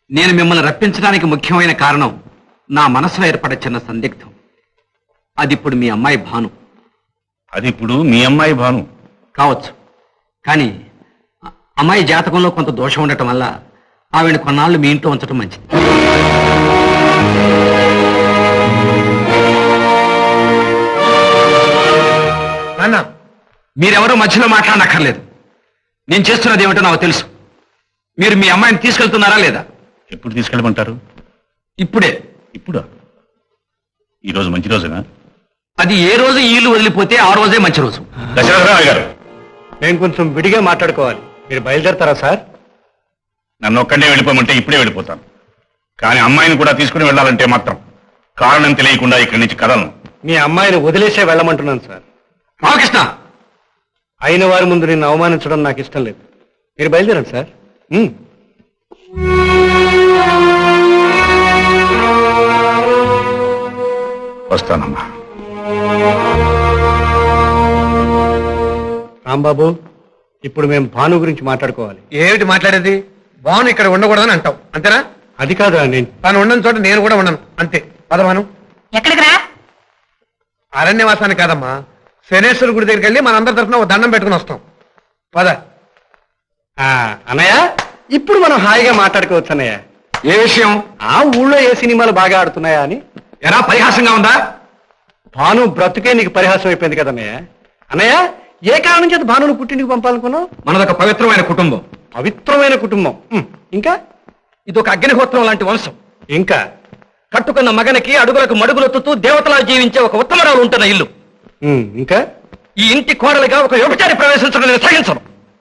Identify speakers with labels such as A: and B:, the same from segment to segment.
A: నేను మిమ్మల్ని రప్పించడానికి ముఖ్యమైన కారణం నా మనసులో ఏర్పడే చిన్న సందిగ్ధం. అది ఇప్పుడు మీ అమ్మాయి భాను.
B: అది ఇప్పుడు మీ అమ్మాయి భాను
A: కావచ్చు, కానీ అమ్మాయి జాతకంలో కొంత దోషం ఉండటం వల్ల ఆవిడ కొన్నాళ్ళు మీ ఇంట్లో ఉంచడం మంచిది. నాన్న, మీరెవరూ మధ్యలో మాట్లాడనక్కర్లేదు. నేను చేస్తున్నది ఏమిటో నాకు తెలుసు. మీరు మీ అమ్మాయిని తీసుకెళ్తున్నారా లేదా?
B: ఎప్పుడు తీసుకెళ్ళమంటారు?
A: ఇప్పుడే.
B: ఇప్పుడా? ఈరోజు మంచి రోజేనా?
A: అది ఏ రోజు ఈ ఇల్లు వదిలిపోతే ఆ రోజే మంచి రోజు.
B: దశరథరావు గారు,
C: నేను కొంచెం విడిగా మాట్లాడుకోవాలి. మీరు బయలుదేరతారా సార్?
B: నన్ను ఒక్కడే వెళ్ళిపోమంటే ఇప్పుడే వెళ్ళిపోతాను. కానీ అమ్మాయిని కూడా తీసుకుని వెళ్ళాలంటే మాత్రం కారణం తెలియకుండా ఇక్కడి నుంచి కదలను.
C: మీ అమ్మాయిని వదిలేసే వెళ్ళమంటున్నాను సార్.
A: రామకృష్ణ,
C: అయిన వారి ముందు నిన్ను అవమానించడం నాకు ఇష్టం లేదు. మీరు బయలుదేరండి సార్.
B: వస్తానమ్మా.
C: రాంబాబు, ఇప్పుడు మేము భాను గురించి మాట్లాడుకోవాలి.
D: ఏమిటి మాట్లాడేది? భాను ఇక్కడ ఉండకూడదని అంటావు, అంతేనా?
C: అది కాదా, నేను
D: తను ఉండని చోట నేను కూడా ఉండను, అంతే. పదమాను.
E: ఎక్కడికి రా?
D: అరణ్యవాసానికి కాదమ్మా, శనేశ్వర గుడి దగ్గరికి వెళ్ళి మనందరి తరఫున ఒక దండం పెట్టుకుని వస్తాం. పద.
C: అన్నయ్య, ఇప్పుడు మనం హాయిగా మాట్లాడుకోవచ్చు అన్నయ్య.
A: ఏ విషయం?
C: ఆ ఊళ్ళో ఏ సినిమాలు బాగా ఆడుతున్నాయా అని.
A: ఎలా పరిహాసంగా ఉందా?
C: భాను బ్రతుకే నీకు పరిహాసం అయిపోయింది కదన్నయ్య. అన్నయ్య, ఏ కారణం చేత భానును పుట్టింటికి పంపాలనుకున్నావు?
A: మనదొక పవిత్రమైన కుటుంబం.
C: పవిత్రమైన కుటుంబం. ఇంకా
A: ఇదొక అగ్నిహోత్రం లాంటి వంశం.
C: ఇంకా
A: కట్టుకున్న మగనికి అడుగులకు మడుగులొత్తుతూ దేవతలా జీవించే ఒక ఉత్తమరాలు ఉంటున్న ఇల్లు.
C: ఇంకా
A: ఈ ఇంటి కోడలిగా ఒక వ్యభిచారి ప్రవేశించడం నేను సహించను.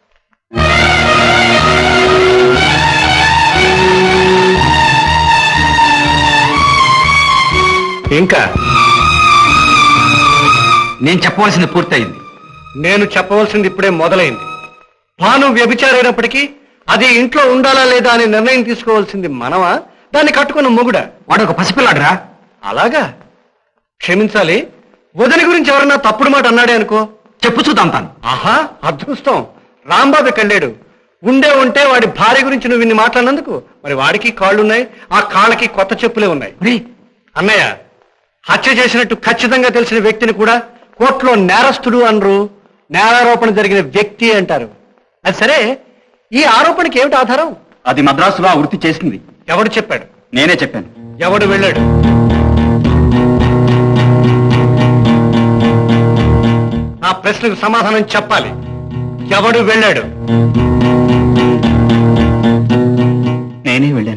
C: ఇంకా
A: నేను చెప్పవలసింది పూర్తయింది.
C: నేను చెప్పవలసింది ఇప్పుడే మొదలైంది. భాను వ్యభిచారైనప్పటికీ అది ఇంట్లో ఉండాలా లేదా అని నిర్ణయం తీసుకోవాల్సింది మనమా, దాన్ని కట్టుకున్న మొగుడా?
A: వాడు ఒక పసిపిల్లాడురా.
C: అలాగా? క్షమించాలి, వదిలి గురించి ఎవరన్నా తప్పుడు మాట అన్నాడే అనుకో,
A: చెప్పు చూద్దాం తాను.
C: ఆహా, అదృష్టం, రాంబాబు కళ్ళాడు. ఉంటే వాడి భార్య గురించి నువ్వు ఇన్ని మాట్లాడినందుకు మరి వాడికి కాళ్ళున్నాయి, ఆ కాళ్ళకి కొత్త చెప్పులే ఉన్నాయి. అన్నయ్య, హత్య చేసినట్టు ఖచ్చితంగా తెలిసిన వ్యక్తిని కూడా కోర్టులో నేరస్తుడు అనరు, నేరారోపణ జరిగిన వ్యక్తి అంటారు. అది సరే, ఈ ఆరోపణకి ఏమిటి ఆధారం?
A: అది మద్రాసులో ఆ వృత్తి చేసింది.
C: ఎవడు చెప్పాడు?
A: నేనే చెప్పాను.
C: ఎవడు వెళ్ళాడు? నా ప్రశ్నకు సమాధానం చెప్పాలి. ఎవడు వెళ్ళాడు?
A: నేనే వెళ్ళాను.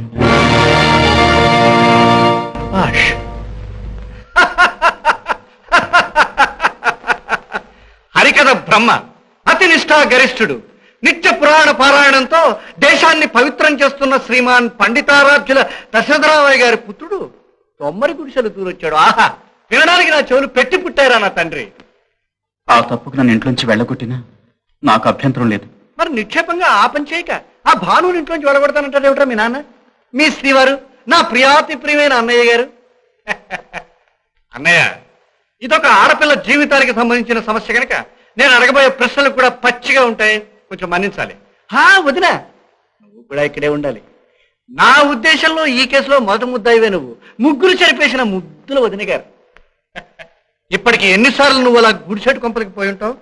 C: హరికథ బ్రహ్మ, అతి నిష్ఠా గరిష్ఠుడు, నిత్య పురాణ పారాయణంతో దేశాన్ని పవిత్రం చేస్తున్న శ్రీమాన్ పండితారాధ్యుల దశరథరామయ్య గారి పుత్రుడు తొమ్మరి గుడిసెలు దూరొచ్చాడు. ఆహా, వినడానికి నా చెవులు పెట్టి పుట్టారా నా తండ్రి.
A: ఆ తప్పుకు నన్ను ఇంట్లోంచి వెళ్ళగొట్టినా నాకు అభ్యంతరం లేదు.
C: మరి నిక్షేపంగా ఆ పని చేయక ఆ భానుని ఇంట్లోంచి వెళ్ళగొడతానంటాడు ఏమిట్రా మీ నాన్న? మీ శ్రీవారు, నా ప్రియాతి ప్రియమైన అన్నయ్య గారు. అన్నయ్య, ఇదొక ఆడపిల్ల జీవితానికి సంబంధించిన సమస్య కనుక నేను అడగబోయే ప్రశ్నలు కూడా పచ్చిగా ఉంటాయి, కొంచెం మన్నించాలి. వదినా, నువ్వు కూడా ఇక్కడే ఉండాలి. నా ఉద్దేశంలో ఈ కేసులో మొదటి ముద్దాయివే నువ్వు. ముగ్గురు చెరిపేసిన ముద్దుల వదిన గారు. ఇప్పటికి ఎన్నిసార్లు నువ్వు అలా గుడిసెట్టు కొంపలికి పోయి ఉంటావు?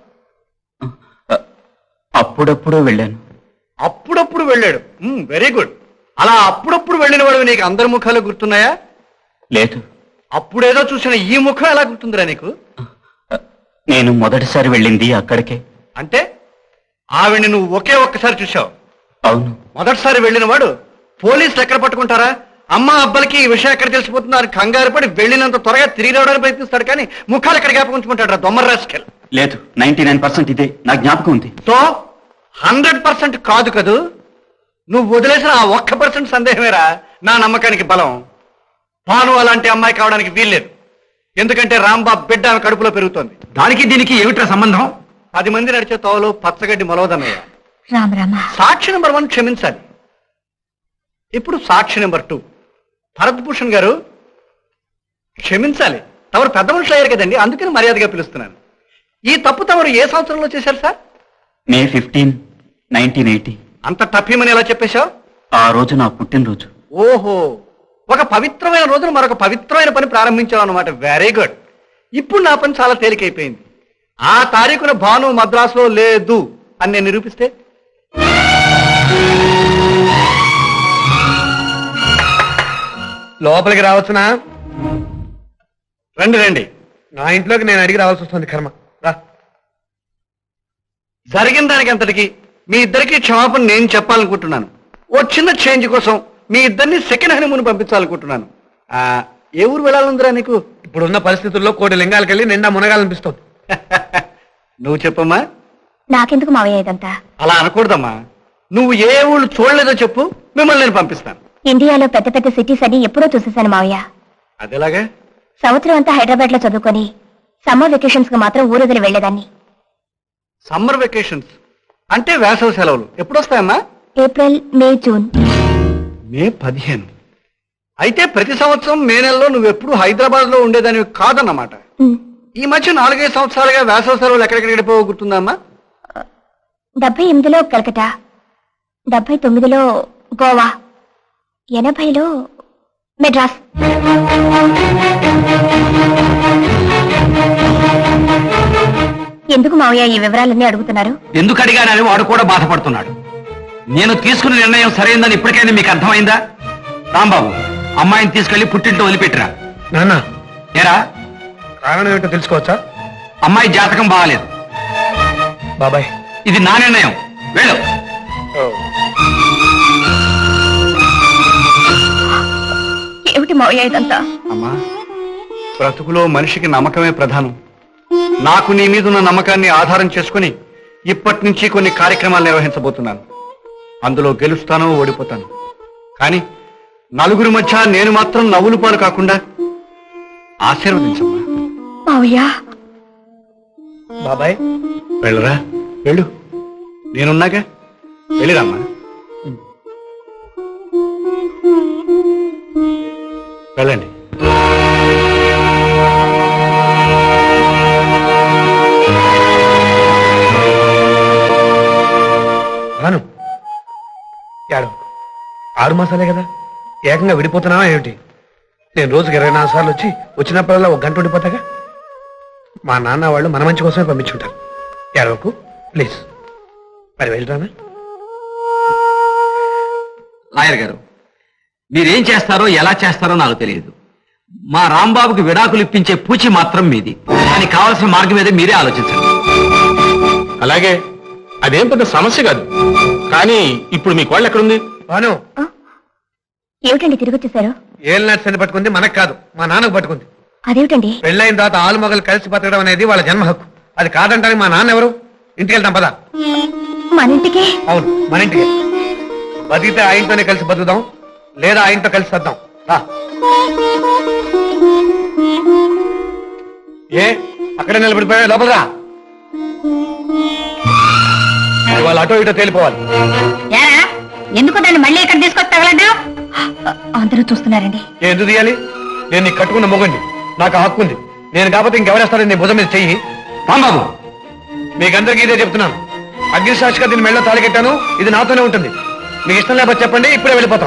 A: అప్పుడప్పుడు వెళ్ళాను.
C: అప్పుడప్పుడు వెళ్ళాడు. Very good. అలా అప్పుడప్పుడు వెళ్ళిన వాడు నీకు అందరి ముఖాలు గుర్తున్నాయా?
A: లేదు.
C: అప్పుడేదో చూసిన ఈ ముఖం ఎలా గుర్తుందిరా నీకు?
A: నేను మొదటిసారి వెళ్ళింది అక్కడికే.
C: అంటే ఆవిడ్ని నువ్వు ఒకే ఒక్కసారి చూసావు?
A: అవును.
C: మొదటిసారి వెళ్ళిన వాడు పోలీసులు ఎక్కడ పట్టుకుంటారా, అమ్మ అబ్బలకి ఈ విషయం ఎక్కడ తెలిసిపోతుందో అని కంగారు పడి వెళ్ళినంత త్వరగా తిరిగి రావడానికి ప్రయత్నిస్తాడు, కానీ ముఖాలు ఎక్కడ జ్ఞాపకం ఉంచుకుంటాడు రా దొమ్మర్ రాస్కెల్.
A: లేదు, 99% ఇదే నా జ్ఞాపకం ఉంది.
C: సో 100% కాదు కదూ? నువ్వు వదిలేసిన ఆ 1% సందేహమేరా నా నమ్మకానికి బలం. భాను అలాంటి అమ్మాయి కావడానికి వీల్లేదు. ఎందుకంటే రాంబాబు బిడ్డ ఆమె కడుపులో పెరుగుతోంది.
A: దానికి దీనికి ఏమిట్రా సంబంధం?
C: 10 మంది నడిచే తోవలో పచ్చగడ్డి మొలవదన్నయ్య. సాక్షి నెంబర్ 1 క్షమించాలి. ఇప్పుడు సాక్షి నెంబర్ 2 భరత్ భూషణ్ గారు క్షమించాలి. తమరు పెద్ద మనుషులు అయ్యారు కదండి, అందుకని మర్యాదగా పిలుస్తున్నాను. ఈ తప్పు తమరు ఏ సంవత్సరంలో చేశారు సార్?
A: May 15, 1980.
C: అంత టఫీమని ఎలా చెప్పేశావు?
A: ఆ రోజు నా పుట్టినరోజు.
C: ఓహో, ఒక పవిత్రమైన రోజున మరొక పవిత్రమైన పని ప్రారంభించావు అనమాట. Very good. ఇప్పుడు నా పని చాలా తేలికైపోయింది. ఆ తారీఖున భాను మద్రాసులో లేదు అని నేను నిరూపిస్తే
D: లోపలికి రావచ్చునా?
C: రండి రండి.
D: నా ఇంట్లోకి నేను అడిగి రావాల్సి వస్తుంది, కర్మ. రా.
C: జరిగిన దానికి అంతటికి మీ ఇద్దరికి క్షమాపణ నేను చెప్పాలనుకుంటున్నాను. ఓ చిన్న చేంజ్ కోసం మీ ఇద్దరిని సెకండ్ హనీమూన్ పంపించాలనుకుంటున్నాను. ఏ ఊరు వెళ్ళాలందిరా నీకు?
D: ఇప్పుడున్న పరిస్థితుల్లో 1,000 లింగాలకు వెళ్ళి నిండా మునగాలనిపిస్తుంది.
C: నువ్వు చెప్పమ్మా.
E: నాకెందుకు మావయ్య ఇదంతా?
C: అలా అనకూడదమ్మా. నువ్వు ఏ ఊళ్ళు చూడలేదో చెప్పు, మిమ్మల్ని నేను పంపిస్తాను.
E: ఇండియాలో పెద్ద పెద్ద సిటీస్ అన్ని ఎప్పుడో చూసేశాను మావయ్య.
C: అదేలాగా?
E: సంవత్సరం అంతా హైదరాబాద్ లో చదువుకొని సమ్మర్ వెకేషన్స్ కు మాత్రం ఊరొదిలి వెళ్లేదాన్ని.
C: సమ్మర్ వెకేషన్స్ అంటే వేసవి సెలవులు ఎప్పుడొస్తాయమ్మా?
E: ఏప్రిల్, మే, జూన్.
C: మే 15. అయితే ప్రతి సంవత్సరం మే నెలలో నువ్వెప్పుడు హైదరాబాద్ లో ఉండేదానివి కాదన్నమాట.
E: ఉమ్.
C: ఈ మధ్య 4-5 సంవత్సరాలుగా వేసవి సెలవులు ఎక్కడికి గడిపోవో గుర్తుందమ్మా?
E: 78లో కలకటా, 79లో గోవా, 80లో మెడ్రాస్. ఎందుకు మావయ్య ఈ వివరాలన్నీ అడుగుతున్నారు?
A: ఎందుకు అడిగానని వాడు కూడా బాధపడుతున్నాడు. నేను తీసుకున్న నిర్ణయం సరైందని ఇప్పటికైనా మీకు అర్థమైందా? రాంబాబు, అమ్మాయిని తీసుకెళ్లి పుట్టింటో వదిలిపెట్టిరా.
D: నాన్న,
A: ఏరా,
D: కారణం ఏమిటో తెలుసుకోవచ్చా?
A: అమ్మాయి జాతకం బాగాలేదు.
D: బాబాయ్,
A: ఇది నా నిర్ణయం. వెళ్ళు.
E: ఏమిటి మావయ్య ఇదంతా?
C: అమ్మా, బ్రతుకులో మనిషికి నమ్మకమే ప్రధానం. నాకు నీ మీద ఉన్న నమ్మకాన్ని ఆధారం చేసుకుని ఇప్పటి నుంచి కొన్ని కార్యక్రమాలు నిర్వహించబోతున్నాను. అందులో గెలుస్తానో ఓడిపోతాను, కానీ నలుగురి మధ్య నేను మాత్రం నవ్వులు పాలు కాకుండా ఆశీర్వదించమ్మా.
E: మావయ్య,
D: బాబాయ్,
C: వెళ్ళరా, వెళ్ళు. నేనున్నాగా, వెళ్ళిరామ్మా. వెళ్ళండి.
D: రాను. ఏడో 6 మాసాలే కదా, ఏకంగా విడిపోతున్నావా ఏమిటి? నేను రోజుకి 24 సార్లు వచ్చి వచ్చినప్పుడల్లా 1 గంట ఉండిపోతాగా. మా నాన్న వాళ్ళు మన మంచి కోసమే పంపించుంటారు. ఏడవకు ప్లీజ్. మరి వెళ్ళరానా?
A: లాయర్ గారు, మీరేం చేస్తారో ఎలా చేస్తారో నాకు తెలియదు. మా రాంబాబుకి విడాకులు ఇప్పించే పూచి మాత్రం మీది. దానికి కావాల్సిన మార్గం మీద మీరే ఆలోచించండి.
B: అలాగే, అదేం పెద్ద సమస్య కాదు. కానీ ఇప్పుడు మీ కోళ్ళు ఎక్కడుంది?
D: బాను,
E: ఏమిటండి తిరిగి వచ్చేసారు?
D: ఏళ్ళ నర్సని పట్టుకుంది మనకు కాదు, మా నాన్నకు పట్టుకుంది.
E: అదేమిటండి?
D: పెళ్ళైన తర్వాత ఆలు మొగలు కలిసి బతకడం అనేది వాళ్ళ జన్మ హక్కు. అది కాదంటానికి మా నాన్న ఎవరు? ఇంటికి వెళ్తాం పదా.
E: మన ఇంటికి?
D: అవును, మన ఇంటికి. బతికితే ఆయనతోనే కలిసి బతుకుదాం, లేదా ఆయనతో కలిసి వద్దాం. రా. ఏ అక్కడే నిలబడిపోయా? లోపలరా. వాళ్ళు అటో ఇటో తేలిపోవాలి.
E: ఎందుకు దాన్ని మళ్ళీ ఇక్కడ తీసుకొచ్చి తగలడ్డా? అందరూ చూస్తున్నారండి.
D: ఎందుకు తీయాలి? నేను నీకు కట్టుకున్న మొగండి, నాకు హక్కు ఉంది. నేను కాకపోతే ఇంకెవరేస్తారని నీ భుజం మీద చెయ్యి.
A: రాంబాబు,
D: మీకందరికీ ఇదే చెప్తున్నాను. అగ్నిసాక్షిగా దీని మెళ్ళలో తాళి కట్టాను. ఇది నాతోనే ఉంటుంది. మీకు ఇష్టం లేకపోతే చెప్పండి, ఇప్పుడే వెళ్ళిపోతాం.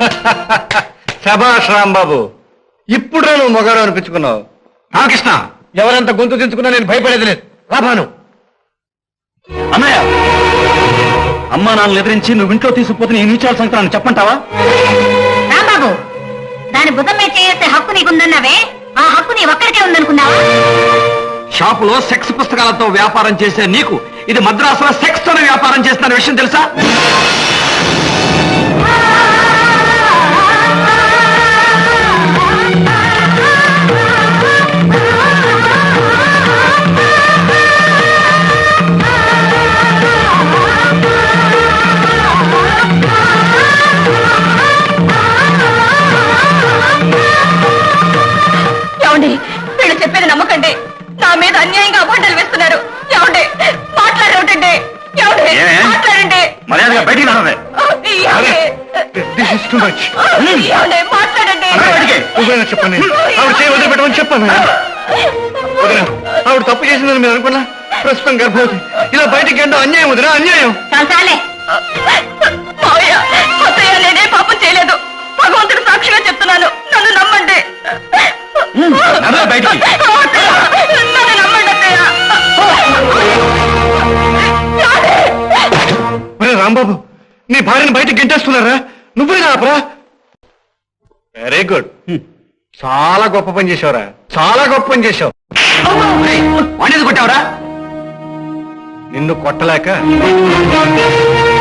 C: శభాష్ రాంబాబు, ఇప్పుడు నువ్వు మొగాడు అనిపించుకున్నావు.
A: రామకృష్ణ,
D: ఎవరంత గొంతు తెంచుకున్నా నేను భయపడేది లేదు. రాబాను.
A: అన్నయ్య, అమ్మా నాన్నలు ఎదిరించి నువ్వు ఇంట్లో తీసుకుపోతే నేను ఇచ్చాల్సిన సంగతి చెప్పంటావా?
E: రాంబాబు, దాని భుజం మీద చేసే హక్కు నీకుందన్నావే, ఆ హక్కు నీ ఒక్కరికే ఉందనుకున్నావా?
A: షాపులో సెక్స్ పుస్తకాలతో వ్యాపారం చేసే నీకు ఇది మద్రాసులో సెక్స్ తోనే వ్యాపారం చేస్తున్న విషయం తెలుసా?
E: ఏమండి, వీళ్ళు చెప్పేది నమ్మకండి. నా మీద అన్యాయంగా అబద్ధాలు వేస్తున్నారు. ఏమండి, మాట్లాడేటండి. ఏమండి, మాట్లాడండి.
B: మర్యాదగా బయటికి రావే.
E: ఏమండి, మాట్లాడండి.
C: చెప్పండి, ఆవిడ చేయి వదిలిపెట్టమని చెప్పాను. ఆవిడ తప్పు చేసిందని మీరు అనుకున్నా? ప్రస్తుతం గర్భవతి. ఇలా బయటికి ఎంతో అన్యాయం వదినా, అన్యాయం.
E: చాలే. మావయ్య, అత్తయ్య నేనే పాపం చేయలేదు.
C: నీ భార్యను బయట గెంటేస్తున్నారా? నువ్వే ఆపరా. Very good. చాలా గొప్ప పని చేసావురా, చాలా గొప్ప పని చేసావు.
A: వాణ్ణి కొట్టావరా?
C: నిన్ను కొట్టలేక